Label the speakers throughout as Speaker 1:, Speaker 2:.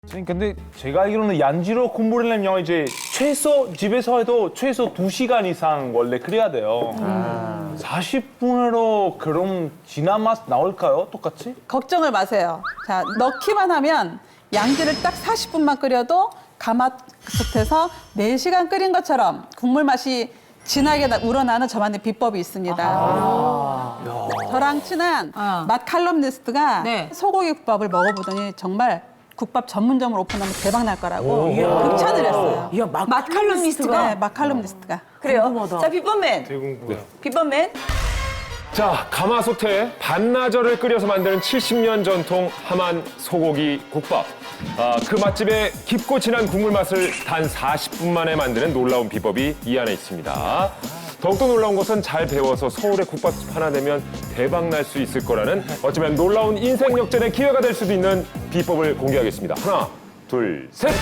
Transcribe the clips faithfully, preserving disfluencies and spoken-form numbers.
Speaker 1: 선생님, 근데 제가 알기로는 양지로 공부를 하려면 이제 최소 집에서 해도 최소 두 시간 이상 원래 그래야 돼요. 아. 사십 분으로 그럼 진한 맛 나올까요? 똑같이?
Speaker 2: 걱정을 마세요. 자, 넣기만 하면 양지를 딱 사십 분만 끓여도 가마솥에서 네 시간 끓인 것처럼 국물 맛이 진하게 나- 우러나는 저만의 비법이 있습니다.
Speaker 3: 아.
Speaker 2: 저랑 친한
Speaker 3: 어.
Speaker 2: 맛 칼럼니스트가
Speaker 3: 네.
Speaker 2: 소고기 국밥을 먹어보더니 정말 국밥 전문점을 오픈하면 대박 날 거라고 극찬을 했어요.
Speaker 3: 이야, 맛 칼럼니스트가?
Speaker 2: 네, 맛 칼럼니스트가.
Speaker 4: 그래요?
Speaker 3: 궁금하다.
Speaker 4: 자, 비법맨.
Speaker 1: 대궁구요.
Speaker 4: 비법맨.
Speaker 5: 자, 가마솥에 반나절을 끓여서 만드는 칠십 년 전통 함안 소고기 국밥. 아, 그 맛집의 깊고 진한 국물 맛을 단 사십 분 만에 만드는 놀라운 비법이 이 안에 있습니다. 더욱더 놀라운 것은 잘 배워서 서울의 국밥집 하나 되면 대박 날 수 있을 거라는 어쩌면 놀라운 인생 역전의 기회가 될 수도 있는 비법을 공개하겠습니다. 하나, 둘, 셋!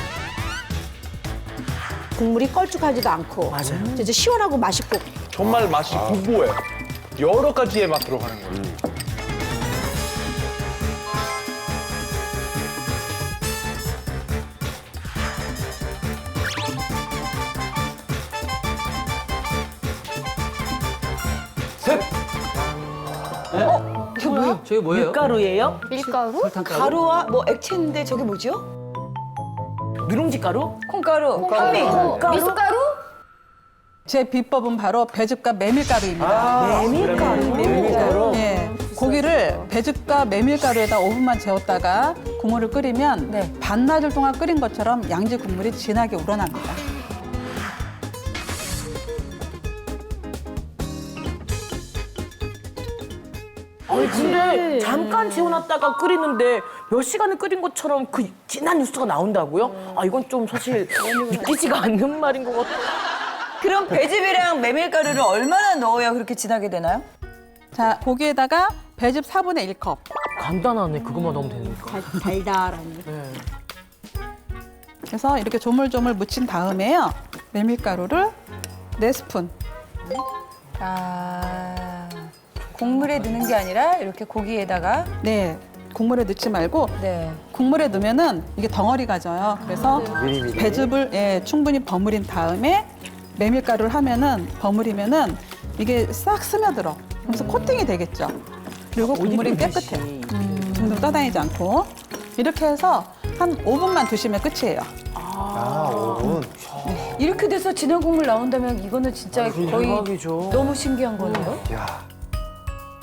Speaker 6: 국물이 걸쭉하지도 않고
Speaker 3: 맞아요.
Speaker 6: 진짜 시원하고 맛있고
Speaker 1: 정말 맛이 궁금해요. 여러 가지의 맛 들어가는 거예요.
Speaker 5: 셋!
Speaker 3: 저게 뭐예요? 밀가루예요?
Speaker 7: 밀가루?
Speaker 3: 설탕가루?
Speaker 4: 가루와 뭐 액체인데 저게 뭐죠?
Speaker 3: 누룽지 가루?
Speaker 4: 콩가루, 현미.
Speaker 7: 미숫가루?
Speaker 2: 제 비법은 바로 배즙과 메밀가루입니다.
Speaker 3: 메밀가루.
Speaker 2: 메밀가루. 예. 고기를 배즙과 메밀가루에다 오 분만 재웠다가 국물을 끓이면
Speaker 4: 네.
Speaker 2: 반나절 동안 끓인 것처럼 양지 국물이 진하게 우러납니다.
Speaker 3: 아니 근데 잠깐 재워놨다가 끓이는데 몇 시간을 끓인 것처럼 그 진한 육수가 나온다고요? 아 이건 좀 사실 믿기지가 않는 말인 것 같아.
Speaker 4: 그럼 배즙이랑 메밀가루를 얼마나 넣어야 그렇게 진하게 되나요?
Speaker 2: 자, 고기에다가 배즙 사분의 일 컵.
Speaker 3: 간단하네. 그것만 넣으면 되니까.
Speaker 6: 달달하니.
Speaker 3: 네.
Speaker 2: 그래서 이렇게 조물조물 묻힌 다음에요. 메밀가루를 네 스푼.
Speaker 4: 아, 국물에 넣는 게 아니라 이렇게 고기에다가.
Speaker 2: 네. 국물에 넣지 말고
Speaker 4: 네.
Speaker 2: 국물에 넣으면은 이게 덩어리가 져요. 그래서 배즙을 예, 충분히 버무린 다음에 메밀가루를 하면은 버무리면은 이게 싹 스며들어. 그래서 코팅이 되겠죠. 그리고 국물이 깨끗해. 둥둥 떠다니지 않고 이렇게 해서 한 오 분만 두시면 끝이에요.
Speaker 4: 이렇게 돼서 진한 국물 나온다면 이거는 진짜 거의
Speaker 3: 대박이죠.
Speaker 4: 너무 신기한 거네요.
Speaker 1: 야.